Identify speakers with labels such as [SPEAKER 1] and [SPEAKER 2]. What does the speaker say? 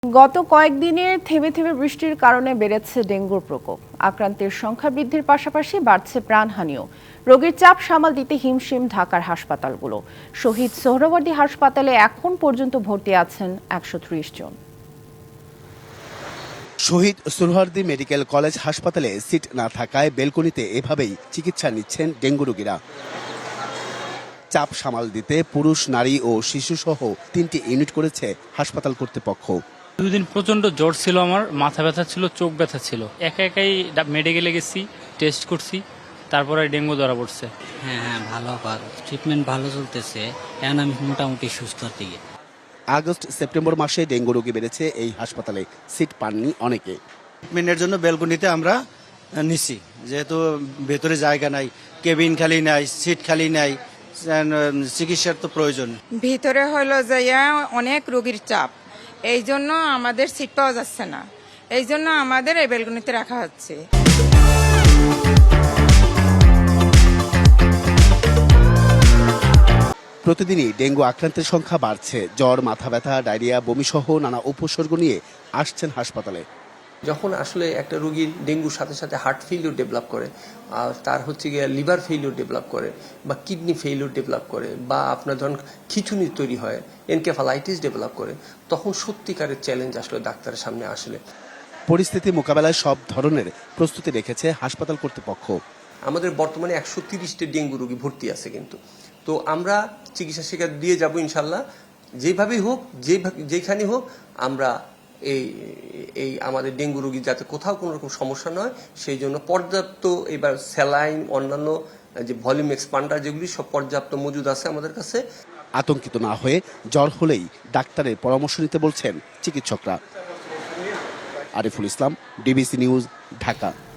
[SPEAKER 1] গত কয়েকদিনে থেমে থেমে বৃষ্টির কারণে বেড়েছে ডেঙ্গুর প্রকোপ। আক্রান্তের সংখ্যা বৃদ্ধির পাশাপাশি বাড়ছে প্রাণহানিও। রোগীর চাপ সামাল দিতে হিমশিম ঢাকার হাসপাতালগুলো। শহীদ সোহরাওয়ার্দী হাসপাতালে এখন পর্যন্ত ভর্তি আছেন ১৩০ জন।
[SPEAKER 2] শহীদ সোহরাওয়ার্দী মেডিকেল কলেজ হাসপাতালে সিট না থাকায় বেলকনিতে এভাবেই চিকিৎসা নিচ্ছেন ডেঙ্গু রোগীরা। চাপ সামাল দিতে পুরুষ, নারী ও শিশুসহ 3টি ইউনিট করেছে হাসপাতাল কর্তৃপক্ষ।
[SPEAKER 3] 2 দিন প্রচন্ড জ্বর ছিল, আমার মাথা ব্যথা ছিল, চোখ ব্যথা ছিল। একাই মেডিকেলে গেছি, টেস্ট করছি, তারপরে ডেঙ্গু ধরা পড়ছে।
[SPEAKER 4] হ্যাঁ ভালো, ট্রিটমেন্ট ভালো চলতেছে। এখন আমি মোটামুটি সুস্থর দিকে।
[SPEAKER 2] আগস্ট সেপ্টেম্বর মাসে ডেঙ্গু রোগী বেড়েছে এই হাসপাতালে, সিট পাননি অনেকে।
[SPEAKER 5] ট্রিটমেন্টের জন্য বেলকনিতে আমরা নিছি, যেহেতু ভেতরে জায়গা নাই, কেবিন খালি নাই, সিট খালি নাই, চিকিৎসার তো প্রয়োজন।
[SPEAKER 6] ভিতরে হলো যাইয়া অনেক রোগীর চাপ, এই জন্য আমাদের সিট পাওয়া যাচ্ছে না, এই জন্য আমাদের এই বেলকনিতে রাখা হচ্ছে।
[SPEAKER 2] প্রতিদিনই ডেঙ্গু আক্রান্তের সংখ্যা বাড়ছে। জ্বর, মাথা ব্যথা, ডায়রিয়া, বমিসহ নানা উপসর্গ নিয়ে আসছেন হাসপাতালে।
[SPEAKER 7] যখন আসলে একটা রোগীর ডেঙ্গুর সাথে সাথে হার্ট ফেইলিউর ডেভেলপ করে, তার হচ্ছে গিয়ে লিভার ফেইলিউর ডেভেলপ করে, বা কিডনি ফেইলিউর ডেভেলপ করে, বা আপনার ধরুন খিঁচুনি তৈরি হয়, এনকেফালাইটিস ডেভেলপ করে, তখন সত্যিকারের চ্যালেঞ্জ আসলে ডাক্তারের সামনে আসলে।
[SPEAKER 2] পরিস্থিতি মোকাবেলায় সব ধরনের প্রস্তুতি রেখেছে হাসপাতাল কর্তৃপক্ষ।
[SPEAKER 7] আমাদের বর্তমানে 130টি ডেঙ্গু রোগী ভর্তি আছে, কিন্তু তো আমরা চিকিৎসা শিক্ষা দিয়ে যাব ইনশাল্লাহ। যেভাবেই হোক, যেখানে হোক, আমরা এই আমাদের ডেঙ্গু রোগী যাতে কোথাও কোনো রকম সমস্যা নয়, সেই জন্য পর্যাপ্ত এবার স্যালাইন, অন্যান্য যে ভলিউম এক্সপান্ডার, যেগুলি সব পর্যাপ্ত মজুদ আছে আমাদের কাছে।
[SPEAKER 2] আতঙ্কিত না হয়ে জ্বর হলেই ডাক্তারের পরামর্শ নিতে বলছেন চিকিৎসকরা। Ariful Islam, DBC news, Dhaka.